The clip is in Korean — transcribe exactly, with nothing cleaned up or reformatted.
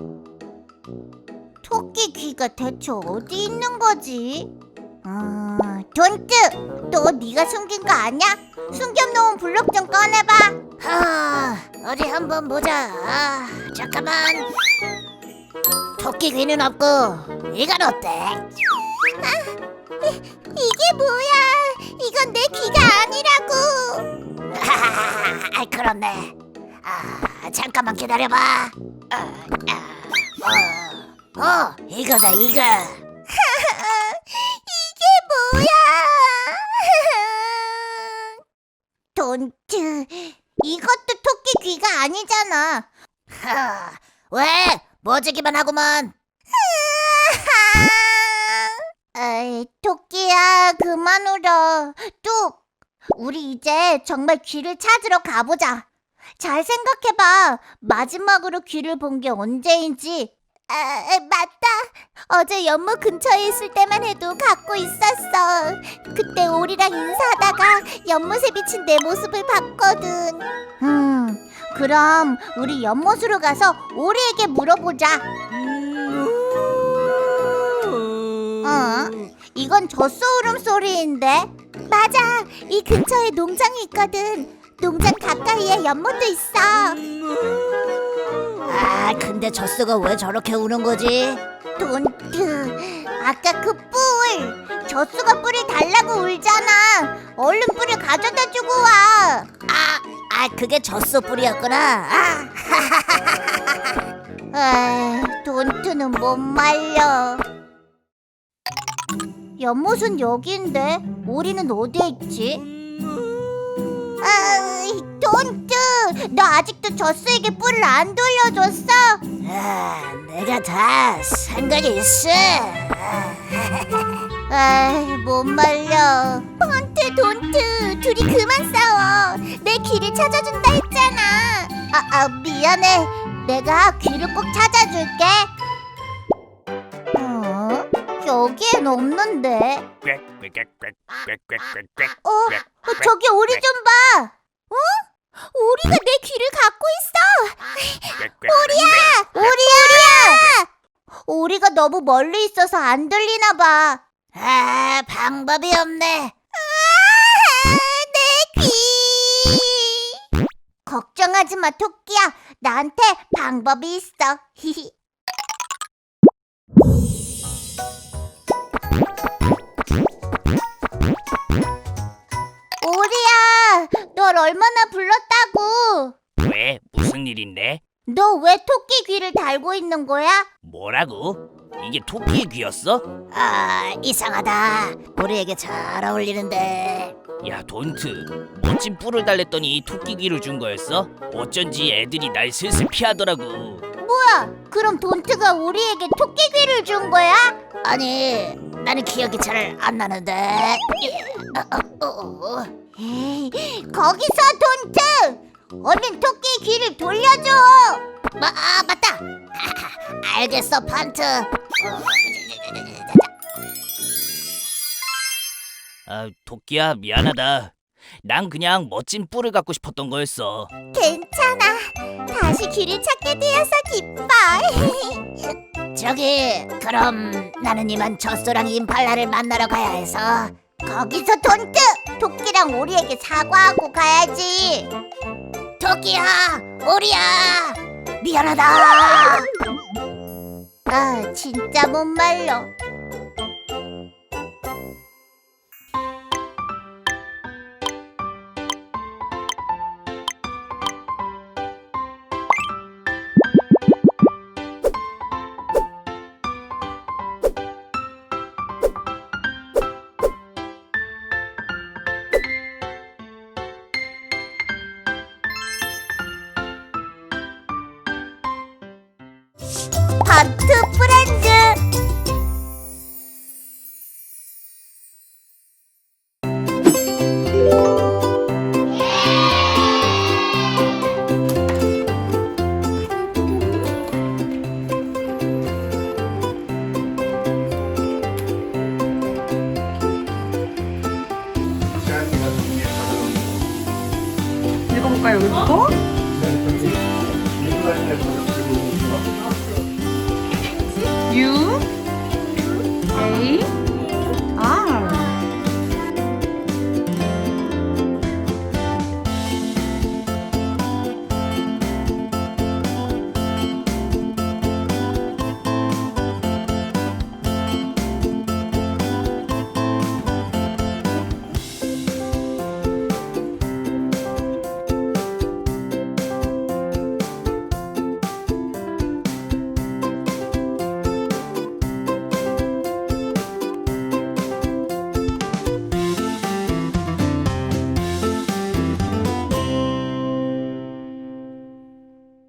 토끼 귀가 대체 어디 있는 거지? 어, 돈트! 너 네가 숨긴 거 아니야? 숨겨놓은 블록 좀 꺼내봐. 하, 어디 한번 보자. 아, 잠깐만. 토끼 귀는 없고 이건 어때? 이게 뭐야? 이건 내 귀가 아니라고. 아, 그렇네. 아, 잠깐만 기다려봐. 아, 아, 어, 어, 이거다 이거. 이게 뭐야? 돈트, 이것도 토끼 귀가 아니잖아. 하, 왜? 뭐지기만 하구만. 에이, 토끼야, 그만 울어. 뚝, 우리 이제 정말 귀를 찾으러 가보자. 잘 생각해봐. 마지막으로 귀를 본 게 언제인지. 아, 맞다. 어제 연못 근처에 있을 때만 해도 갖고 있었어. 그때 오리랑 인사하다가 연못에 비친 내 모습을 봤거든. 음, 그럼 우리 연못으로 가서 오리에게 물어보자. 어? 이건 젖소 울음소리인데? 맞아. 이 근처에 농장이 있거든. 농장 가까이에 연못도 있어. 아, 근데 젖소가 왜 저렇게 우는 거지? 돈트, 아까 그 뿔, 젖소가 뿔을 달라고 울잖아. 얼른 뿔을 가져다 주고 와. 아, 아, 그게 젖소 뿔이었구나. 아, 에이, 돈트는 못 말려. 연못은 여기인데 오리는 어디에 있지? 아이, 돈트, 너 아직도 젖소에게 뿔을 안 돌려줬어? 아, 내가 다 상관이 있어. 에이, 못 말려. 폰트, 돈트, 둘이 그만 싸워. 내 귀를 찾아준다 했잖아. 아, 아, 미안해. 내가 귀를 꼭 찾아줄게. 어? 여기엔 없는데. 어, 어, 저기 오리 좀 봐. 어? 오리가 내 귀를 갖고 있어. 오리야! 오리야! 오리가 너무 멀리 있어서 안 들리나 봐. 아, 방법이 없네. 아, 내 귀. 걱정하지 마, 토끼야. 나한테 방법이 있어. 오리야, 널 얼마나 불렀다고. 왜? 무슨 일인데? 너 왜 토끼 귀를 달고 있는 거야? 뭐라고? 이게 토끼의 귀였어? 아, 이상하다. 우리에게 잘 어울리는데. 야, 돈트. 멋진 뿔을 달랬더니 토끼 귀를 준 거였어? 어쩐지 애들이 날 슬슬 피하더라고. 뭐야? 그럼 돈트가 우리에게 토끼 귀를 준 거야? 아니, 나는 기억이 잘 안 나는데. 어, 어, 어, 어. 에이, 거기서 돈트! 얼른 토끼 귀를 돌려줘! 마, 아, 맞다. 알겠어, 판트. 아, 토끼야, 미안하다. 난 그냥 멋진 뿔을 갖고 싶었던 거였어. 괜찮아. 다시 귀를 찾게 되어서 기뻐. 저기, 그럼 나는 이만 젖소랑 임팔라를 만나러 가야 해서. 거기서 돈트! 토끼랑 오리에게 사과하고 가야지. 토끼야, 오리야, 미안하다. 아, 진짜 못 말려. 바트 프렌즈. 읽어볼까요, 여기부터? 유